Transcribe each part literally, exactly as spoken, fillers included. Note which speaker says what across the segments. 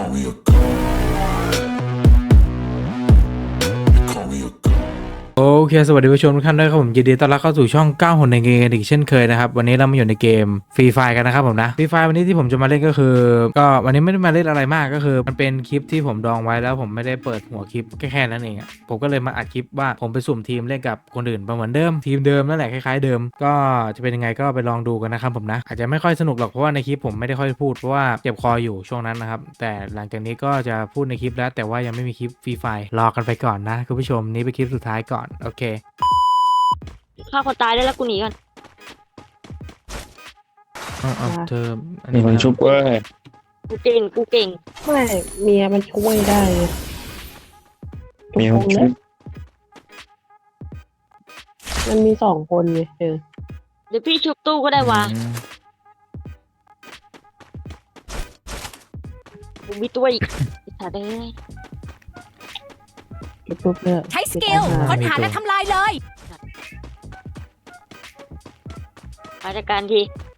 Speaker 1: me a god. You call me a god.
Speaker 2: โอเคสวัสดีผู้ชมทุกท่านด้วยครับผมยินดีต้อนรับเข้าสู่ช่องเก้าหนในเกมอีกเช่นเคยนะครับวันนี้เรามาอยู่ในเกมฟรีไฟกันนะครับผมนะฟรีไฟวันนี้ที่ผมจะมาเล่นก็คือก็วันนี้ไม่ได้มาเล่นอะไรมากก็คือมันเป็นคลิปที่ผมดองไว้แล้วผมไม่ได้เปิดหัวคลิปแค่แค่นั้นเองอ่ะผมก็เลยมาอัดคลิปว่าผมไปสุ่มทีมเล่นกับคนอื่นเหมือนเดิมทีมเดิมนั่นแหละคล้ายๆเดิมก็จะเป็นยังไงก็ไปลองดูกันนะครับผมนะอาจจะไม่ค่อยสนุกหรอกเพราะว่าในคลิปผมไม่ได้ค่อยพูดเพราะว่าเจ็บคออยู่ช่วงนั้นนะครับแต่หลังจากนี้ก็จะพูดในคลิปแล้วแต่ว่ายังไม่มีคลิปฟรีไฟรอกันไปก่อนนะคุณผู้ชมนี่เป็นคลิปสุดท้ายก่อนโอเค
Speaker 3: ฆ่าคนตายได้แล้วกูหนีก่อน
Speaker 2: เอาเอาเธออัน
Speaker 4: มี
Speaker 2: นี้
Speaker 4: คน
Speaker 2: มา
Speaker 4: ชุบเว้ย
Speaker 3: กูเก่งกูเก่ง
Speaker 5: ไม่เมียมันช่วยได้ไงทุก
Speaker 4: มี
Speaker 5: ค
Speaker 4: คน
Speaker 5: น
Speaker 4: ชุ
Speaker 5: นะ
Speaker 4: บ
Speaker 5: มันมีสองคนไงเออ
Speaker 3: เดี๋ยวพี่ชุบตู้ก็ได้วะ
Speaker 2: อืม
Speaker 3: กูมีตัวอีกไอ้สัตว์เอ้ย
Speaker 5: ทุบๆเนี่ย
Speaker 6: ใช้สกิลค้นหาและทำลายเลย
Speaker 3: มาจัดการที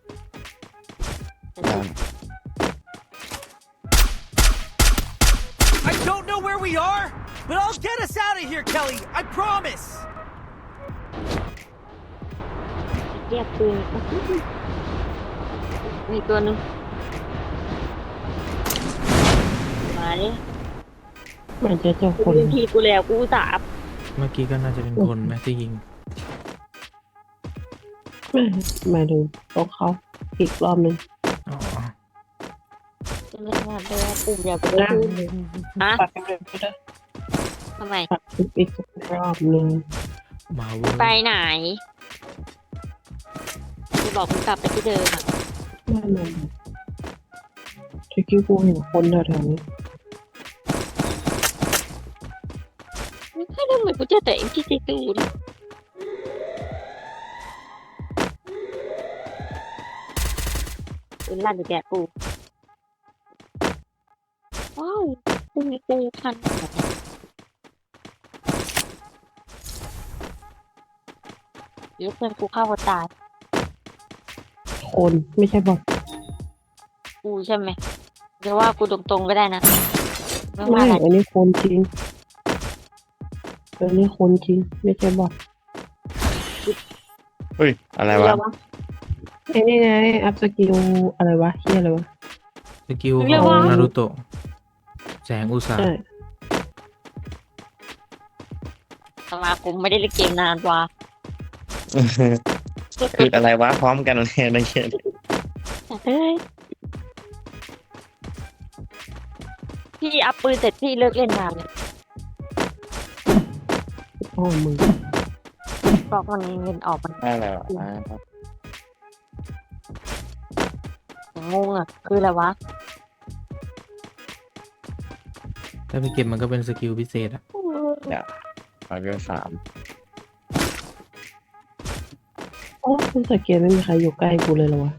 Speaker 7: I don't know where we are, but I'll get us out of here, Kelly. I promise.
Speaker 3: เรียกปืนมีตัวหนึ่งมาดิ
Speaker 5: มันจะเจอ
Speaker 3: กู
Speaker 5: คน
Speaker 3: เป็นทีกูแล้วกูอุตสาห์
Speaker 2: เมื่อกี้ก็น่าจะเป็นคนแม่ที่ยิง
Speaker 5: ไม่หมายถึงต้องเขาอีกรอบหนึ่ง
Speaker 2: อ๋อ
Speaker 3: จะไม่ทำได้ว่าปุ่มอย่าไปได้พูดฮะ
Speaker 5: ปัดกันเลยก็ได้
Speaker 3: ทำไม
Speaker 5: ปัดอีกรอบหนึ่ง
Speaker 2: มาเวอร์
Speaker 3: ไปไหนจะบอกมึงกลับไปที่เดิมอ่ะ
Speaker 5: ไม่มันทคิวกูเห็นคนแถวๆนี้
Speaker 3: ไม่ค่อยได้เหมือนกูเจอแต่เอ็มพีซีตูนเป็นลั่นอยู่แกกูว้าวกูมีกูพันเดี๋ยวเพื่อนกูเข้าหัวตาย
Speaker 5: คนไม่ใช่บอท
Speaker 3: กูใช่ไหมเดี๋ยวว่ากูตรงๆก็ได้นะไม่ว่า
Speaker 5: ไม่
Speaker 3: อะไร
Speaker 5: อันนี้คนจริงอันนี้คนจริงไม่ใช่บอท
Speaker 4: เฮ้ยอะไรวะ
Speaker 3: เดี๋ยววะ
Speaker 5: ไอ้นี่ไงอัพสกิลอะไรวะเฮียอะไรวะ
Speaker 2: สกิล
Speaker 3: เรี
Speaker 2: ข
Speaker 3: ยก
Speaker 2: อง
Speaker 3: ว่า
Speaker 2: นารูโตะแสงอุตสาห
Speaker 5: ใช่
Speaker 3: สมาคมไม่ได้เล่นเกมนานว่ะ
Speaker 4: คืออะไรวะพร้อมกันเลยนะเคน
Speaker 3: เฮ้ยพี่อัพปืนเสร็จพี่เลิกเล่นนานเลย
Speaker 5: พ่อมึง
Speaker 3: บอกมันเงินออกมัน
Speaker 4: อะไรวะ
Speaker 3: อย่างงงอ่ะคืออะไรวะ
Speaker 2: ถ้าไปเก็บมันก็เป็นสกิลพิเศษอะ
Speaker 4: ร้อยเวลสาม
Speaker 5: โอ้คุณสเกตไม่มีใครอยู่ใกล้กูเลยเหรอวะ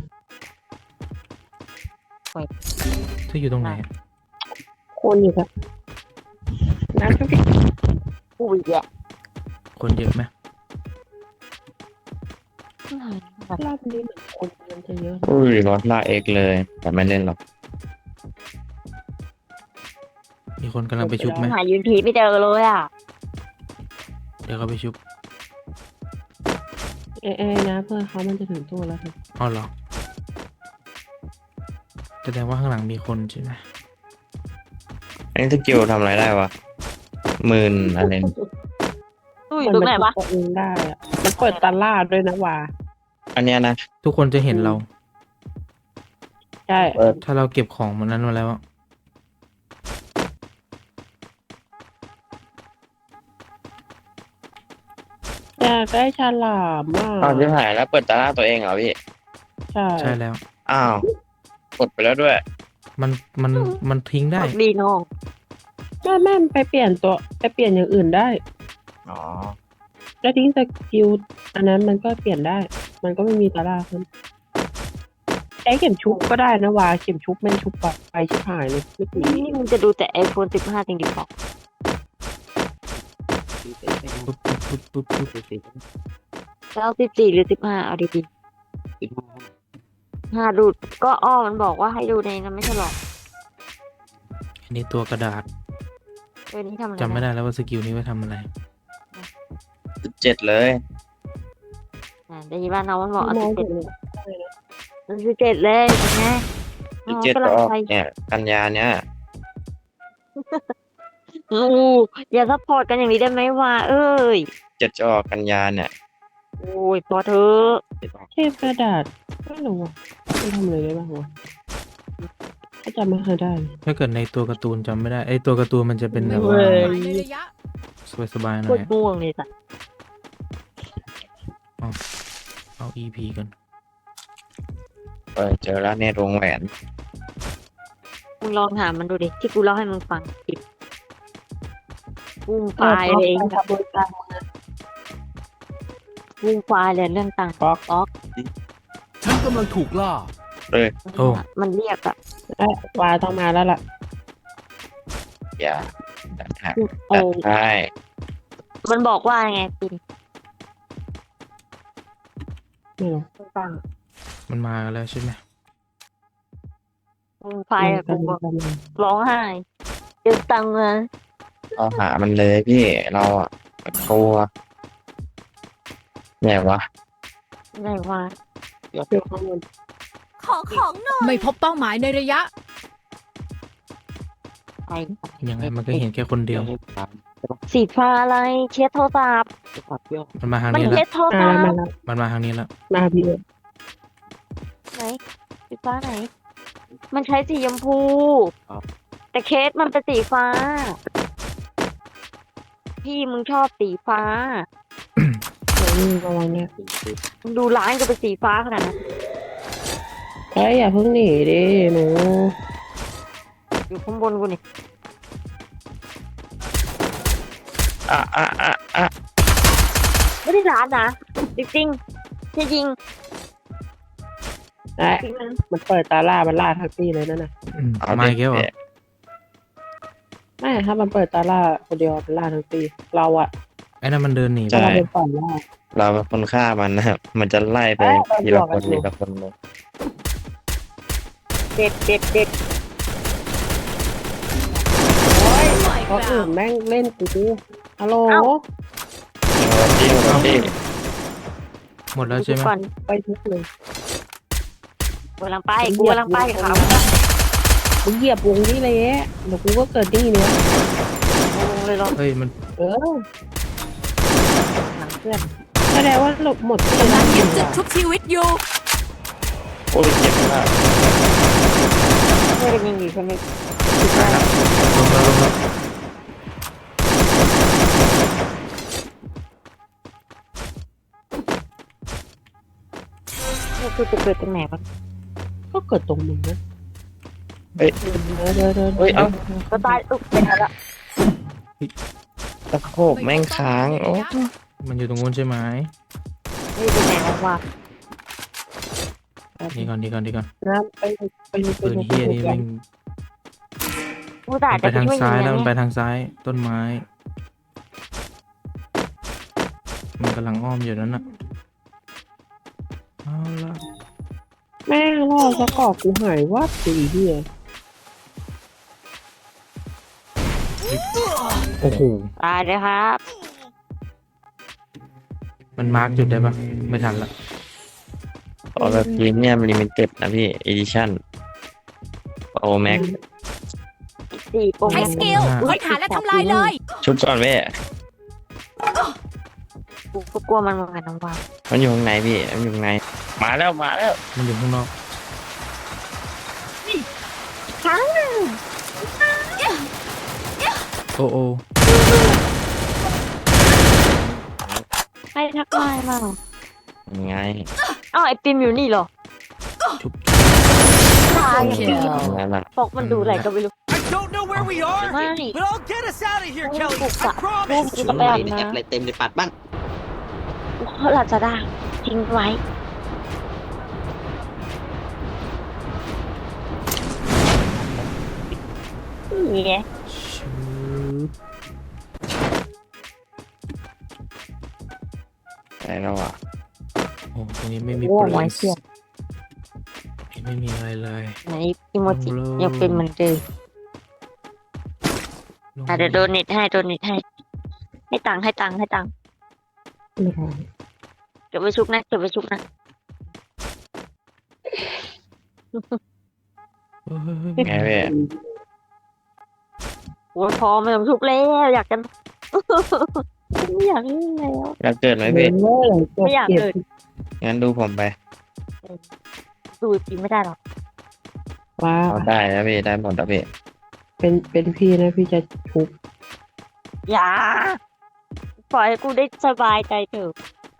Speaker 2: เธออยู่ตรงไหนอะ
Speaker 5: คนอยู่ครับน้ำก็พี่
Speaker 3: กูอีกแหละ
Speaker 2: คนเยอะไหม
Speaker 5: รอบนี้เหมือนคนมันจะเยอะ
Speaker 4: อุ้ยรถลากเอกเลย แต่ไม่เล่นหรอก
Speaker 2: มีคนกำลังไปชุบไหม
Speaker 3: หายืนพีไม่เจอเลยอ่ะ
Speaker 2: เดี๋ยวเขาไปชุบ
Speaker 5: เอเอนะเพื่อนเขามันจะถึงตัวแล้วครับ
Speaker 2: อ๋อเหรอแสดงว่าข้างหลังมีคนใช่ไหม
Speaker 4: อันนี้สกิลทำอะไรได้วะหมื่นอะไร
Speaker 3: ตู้อยู่ตรงไหนวะ
Speaker 5: มัตัวเองได้อะมันเปิดตลาดด้วยนะว่า
Speaker 4: อันเนี้ยนะ
Speaker 2: ทุกคนจะเห็นเรา
Speaker 5: ใช่
Speaker 2: ถ้าเราเก็บของมันนั้นมาแล้วอะ
Speaker 5: อยากได้ฉลามอ่ะ
Speaker 4: อ้าวที่หายแล้วเปิดตาหน้าตัวเองเหรอพี่
Speaker 5: ใช่
Speaker 2: ใช่แล้ว
Speaker 4: อ้าวกดไปแล้วด้วย
Speaker 2: มันมันมันทิ้งได้
Speaker 3: ดีน้อง
Speaker 5: แม่แม่ไปเปลี่ยนตัวไปเปลี่ยนอย่างอื่นได้
Speaker 4: อ๋อ
Speaker 5: แล้วทิ้งสกิลอันนั้นมันก็เปลี่ยนได้ มันก็ไม่มีตลาดขึ้นใช้เข็มชุบก็ได้นะว่าเข็มชุบแม่งชุบแบบไปชิบหายเลยไม่ดี
Speaker 3: นี่มึงจะดูแต่ไอโฟนสิบห้าจริงดิบอก
Speaker 2: ปุ๊บปุ๊บปุ๊บปุ๊บปุ๊บ
Speaker 3: แล้วสิบสี่หรือสิบห้าเอาดีๆห้าดูก็อ้อมันบอกว่าให้ดูในนั้นไม่ใช่หรอ
Speaker 2: นี่ตัวกระดาษ
Speaker 3: เออนี่ทำอะไร
Speaker 2: จำไม่ได้แล้วว่าสกิลนี้ไว้ทำอะไร
Speaker 4: สิบเจ็ดเลย
Speaker 3: อ่าได้ยินว่าน้องมันบอกเอา
Speaker 5: มอง
Speaker 3: สิบ
Speaker 5: เห็
Speaker 3: เจ็ด
Speaker 5: นเลย
Speaker 3: มันสิบเจ็ดเลยเป็นไง
Speaker 4: สิบเจ็ด
Speaker 3: กำลั
Speaker 4: ก็
Speaker 3: ง
Speaker 4: ออก
Speaker 3: ไป
Speaker 4: เนี่ยกันยาเนี้ย
Speaker 3: อู้อย่าซัพพอร์ตกันอย่างนี้ได้ไหมวะเอ้ย
Speaker 4: เจ็ดจะออกกันยาเนี่ย
Speaker 3: โอ้ยพอเถอะ
Speaker 5: เทพกระดาษไม่รู้ว่ามันทำอะไรได้บ้างวะถ้าจำไม่เคยได้เลย
Speaker 2: ถ้าเกิดในตัวการ์ตูนจำไม่ได้ไอตัวการ์ตูนมันจะเป็นแบบ
Speaker 6: เป้า
Speaker 2: ว่า
Speaker 6: หมายในระยะ
Speaker 2: สบายๆห
Speaker 3: โค
Speaker 2: น่อ
Speaker 3: ต
Speaker 2: ย
Speaker 3: รง่วงเลยสัส
Speaker 2: เอา อี พี กัน
Speaker 4: เออเจอแล้วเนี่ยวงแหวน
Speaker 3: มึงลองถามมันดูดิที่กูเล่าให้มึงฟังผิดวุ่งไฟล์เลย
Speaker 5: ออขบวนการมึงนะ
Speaker 3: วุ่งไฟล์เลยเรื่องต่าง
Speaker 5: ป๊อก
Speaker 3: ป๊อก
Speaker 7: ฉันกำลังถูกล่า
Speaker 2: โอ้
Speaker 3: มันเรียกอะ
Speaker 5: เอ้ยวาต้องมาแล้วล่ะ
Speaker 4: อย่าจัดให้
Speaker 3: เอ
Speaker 4: จัด
Speaker 3: อ
Speaker 4: ให้
Speaker 3: มันบอกว่าไงปิน
Speaker 5: ไม่รู้
Speaker 3: ฟัง
Speaker 2: มันมากันแล้วใช่ไหม
Speaker 3: วุ่งไฟล์อะ
Speaker 5: มั
Speaker 3: กู
Speaker 5: น
Speaker 3: บอก
Speaker 5: กำลัง
Speaker 3: ร้องไห้เจอตังค์นะ
Speaker 4: เราหามันเลยพี่เราอ่ะกลัวเนี่ยวะ
Speaker 3: ไหนวะ
Speaker 5: อยู่ข้างบน
Speaker 6: ขอของหน่อย ไม่พบเป้าหมายในระยะ
Speaker 3: ไป
Speaker 2: ยังไงมันก็เห็นแค่คนเดียว
Speaker 3: สีฟ้าอะไรเช็ดโทรศัพท์
Speaker 2: มันมาทาง
Speaker 3: มัน
Speaker 2: นี้แล้
Speaker 3: เช็
Speaker 2: ว
Speaker 3: ดโทรศั
Speaker 5: มา
Speaker 3: พ
Speaker 5: แล้ว
Speaker 3: ท์
Speaker 5: มาแล้ว
Speaker 2: มันมาทางนี้แล้ว
Speaker 5: มาพี่เอ๋
Speaker 3: ไหนสีฟ้าไหน มันใช้สีชมพู แต่เคสมันเป็นสีฟ้า พี่มึงชอบสีฟ้า
Speaker 5: เดี๋ยวนี่ระวังเนี่ย
Speaker 3: มึงดูร้านก็เป็นสีฟ้าขนาดนั้น
Speaker 5: เฮ้ยอย่าเพิ่งหนีดิหนู
Speaker 3: อยู่ข้างบนกูนี่
Speaker 4: อ่ะอ่ะอ่ะอ่ะ
Speaker 3: ไม่ได้ร้านนะจริงๆจะยิง
Speaker 5: ไอ้
Speaker 3: จริงนะ
Speaker 5: มันเปิดตาล่ามันล่าทั้งปีเลยนั่นน่ะ
Speaker 2: อืม
Speaker 4: เอา
Speaker 2: มาอีกแล้วเหรอ
Speaker 4: ดิ
Speaker 5: ไม่ถ้ามันเปิดตาล่าคนเดียวมันล่าทั้งปีเราอะ
Speaker 2: ไอ้นั่นมันเดินหนี
Speaker 4: ใช่
Speaker 2: ไป
Speaker 5: เราเป็นฝ่ายล่า
Speaker 4: เราเป็นคนฆ่ามันนะครับมันจะไล่ไป
Speaker 5: เอ้ย
Speaker 4: ทีละคน
Speaker 5: เราบวกกันอยู่
Speaker 4: ทีละคนเลย
Speaker 3: เด็ดเด็ดเด็ด
Speaker 5: เพราะอื่นแม่งเล่นกูฮัลโหล
Speaker 4: ที่ที่
Speaker 2: หมดแล้วใช่ไหม
Speaker 3: ก่อน
Speaker 5: ไปทุกเลย
Speaker 3: กูกำลังไปกูกำลังไปกับเขา
Speaker 5: มึงเหยียบวงนี่เลยเดี๋ยวกูก็เกิดนี่เนี่ย
Speaker 3: ลงเลยลง
Speaker 2: เฮ้ยมัน
Speaker 5: เออ
Speaker 3: หลังเพื่อน
Speaker 5: แสดงว่าหลบหมดที่
Speaker 6: กำลัง
Speaker 5: อ
Speaker 6: ยึด
Speaker 5: ยู่
Speaker 6: จุด
Speaker 5: อะ
Speaker 6: ชุบชีวิตอยู่
Speaker 4: โอ้ยเจ็บมาก
Speaker 3: เพื่อนยิงอยู่ใช่ไหม
Speaker 2: ลงแล้วลงแล้ว
Speaker 3: กูจะเกิดตรงไหนวะ
Speaker 5: ก็เกิดตรงมึงนะ
Speaker 4: เฮ้ย
Speaker 5: เดินเดินเดินเดิน
Speaker 4: เฮ้ยเอ้า
Speaker 3: ก็ตายอุ๊บเป็นอะไรละ
Speaker 4: ตะโขบแม่งค้างโอ้
Speaker 2: มันอยู่ตรงนู้นใช่ไหม
Speaker 3: นี่เป็นไหนวะ
Speaker 2: นี่ก่อนนี่ก่อนนี่ก่อน
Speaker 5: นะไปไปไป
Speaker 2: ปืนเฮียนี่แม่ง
Speaker 3: กูตาย
Speaker 2: มันไป
Speaker 3: แต่
Speaker 2: ทาง
Speaker 3: กูไม่
Speaker 2: ซ้าย
Speaker 3: ยิง
Speaker 2: แล้วมันไป
Speaker 3: นะ
Speaker 2: ทางซ้ายต้นไม้ มันกำลังอ้อมอยู่นั่นน่ะเอาละ
Speaker 5: แม่งล่อสะกอกกูหายวับสีเดีย
Speaker 2: โอ้โห
Speaker 3: ตายเลยครับ
Speaker 2: มันมาร์กจุดได้ปะไม่ทันละ
Speaker 4: ออแบบพรีเมียมลิมิเต็ดนะพี่อีดิชั่นโอแม็ก
Speaker 3: สี่โปร
Speaker 6: ใช้สกิลค้นหาและทำลายเลย
Speaker 4: ชุบก่อนเว้ย
Speaker 3: กูก็กลัวมันเหมือนกันน้องวา
Speaker 4: มันอยู่ข้างในพี่มันอยู่ข้างในมาแล้วมาแล้ว
Speaker 2: มันอยู่ข้างนอก
Speaker 3: ครั้ง
Speaker 2: โอ้โอ้
Speaker 3: ให้ทักทายมา
Speaker 4: ยังไง
Speaker 3: อ้าวไอปิมอยู่นี่เหรอ
Speaker 2: ชุบ
Speaker 3: ตาย
Speaker 6: โอเค
Speaker 4: นั่นแหละ
Speaker 3: ปกมันดูอะไรก็ไม่รู้
Speaker 7: I don't know where we are,
Speaker 3: Money.
Speaker 7: but I'll get us out of here,
Speaker 3: Money.
Speaker 7: Kelly. I
Speaker 3: ลูก
Speaker 7: promise.
Speaker 3: กูจะไปอาบน้
Speaker 8: อะไรเต็มเลยปัดบ้าง
Speaker 3: ำเขาหลับจะได้ทิ้งไว้นี่ไง
Speaker 2: ชุบ
Speaker 4: ได้แล้วอ่ะ
Speaker 2: โอ้ตรงนี้ไม่มี
Speaker 3: โอ้
Speaker 2: ปืน
Speaker 3: ไว้เสียบ
Speaker 2: ไม่มีอะไรเลย
Speaker 3: ไหนอิโมจิยังเป็นเหมือนเดิมอ่ะเดี๋ยวโดนเน็ตให้โดนเน็ตให้ให้ตังค์ให้ตังค์ให้ตังค์
Speaker 5: ไม่ได้
Speaker 3: เก็บไว้ชุกนะเก็บไว้ชุกนะ
Speaker 2: เฮ้ยเฮ้ยเฮ้ย
Speaker 4: ไงพี่
Speaker 3: โอ้ยพอไม่ต้องชุกแล้วอยากกัน ไม่อยากเล่นแล้ว
Speaker 4: แล้วเกิดไหม
Speaker 5: ไม่
Speaker 4: พี่
Speaker 5: เลย
Speaker 3: ไม่อยากเกิด
Speaker 4: งั้นดูผมไป
Speaker 3: ดูจริงไม่ได้หรอก
Speaker 5: ว่า
Speaker 4: เอาได้นะพี่ได้หมดนะพี่
Speaker 5: เป็นเป็นพี่นะพี่จะชุบ
Speaker 3: อย่าปล่อยให้กูได้สบายใจเถอะ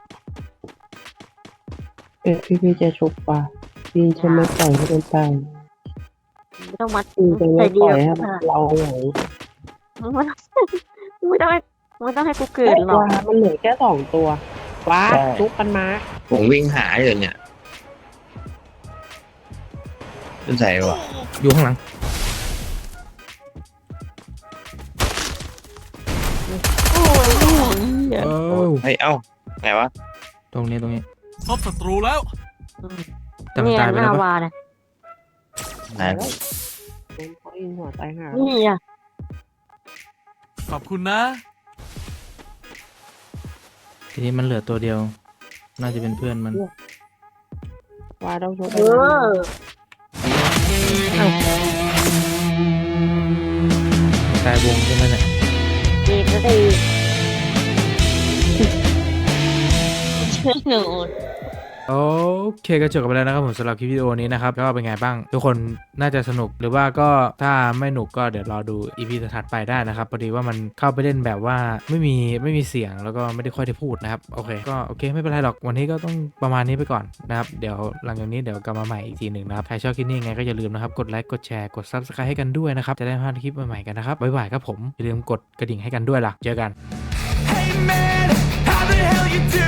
Speaker 5: เป็นพี่พี่จะชุบป่ะพี่จะไม่ปล่อยให้มันตาย
Speaker 3: ไม่ต้องมัด
Speaker 5: พี่จะ
Speaker 3: ใจ
Speaker 5: ไม่
Speaker 3: เดี
Speaker 5: ปล่
Speaker 3: ย
Speaker 5: อ
Speaker 3: วย
Speaker 5: ให้มันเราไหว
Speaker 3: มึงไม่ต้องมึงไม่ต้องให้มึงไม่ต้องให้กูเกิดหรอก
Speaker 5: ว่ามันเหลือแค่สองตัวว้า
Speaker 4: ใช่
Speaker 5: ชุบกันมา
Speaker 4: ผมวิ่งหาอยู่เนี่ยขึ้นใส่วะ
Speaker 2: อยู่ข้างหลัง
Speaker 3: โอ้ยไม่ไหวอ่ะ
Speaker 2: เอ้า
Speaker 4: เฮ้ยเอ้าไหนวะ
Speaker 2: ตรงนี้ตรงนี้
Speaker 7: พบศัตรูแล้ว
Speaker 2: แต่มัน
Speaker 3: เนี่ย
Speaker 2: ตายไป
Speaker 3: ห
Speaker 2: แล้
Speaker 3: น้าว
Speaker 2: ปะ
Speaker 3: วานะ
Speaker 4: ไหน
Speaker 5: เป็นเขาอินหัวตายหา
Speaker 3: นี่อ่ะ
Speaker 7: ขอบคุณนะ
Speaker 2: ทีนี้มันเหลือตัวเดียว น่าจะเป็นเพื่อนมัน
Speaker 5: ว่าต้องชุบ
Speaker 3: เออ
Speaker 2: ตายวงใช่ไหมเนี่ย
Speaker 3: ดีก็ดีช่วยหนู
Speaker 2: โอเคก็จบกันไปแล้วนะครับผมสำหรับคลิปวิดีโอนี้นะครับก็เป็นไงบ้าง ทุกคนน่าจะสนุกหรือว่าก็ถ้าไม่หนุกก็เดี๋ยวรอดู อี พี ถัดไปได้นะครับพอดีว่ามันเข้าไปเล่นแบบว่าไม่มีไม่มีเสียงแล้วก็ไม่ได้ค่อยได้พูดนะครับโอเคก็โอเคไม่เป็นไรหรอกวันนี้ก็ต้องประมาณนี้ไปก่อนนะครับเดี๋ยวหลังจากนี้เดี๋ยวกลับมาใหม่อีกทีหนึ่งนะครับใครชอบคลิปนี้ยังไงก็อย่าลืมนะครับกดไลค์กดแชร์กด ซับสไครบ์ ให้กันด้วยนะครับจะได้ไม่พลาดคลิปใหม่ๆกันนะครับบ๊ายบายครับผมอย่าลืมกดกระดิ่งให้กันด้วยล่ะเจอกัน
Speaker 7: Hey man, how the hell you do?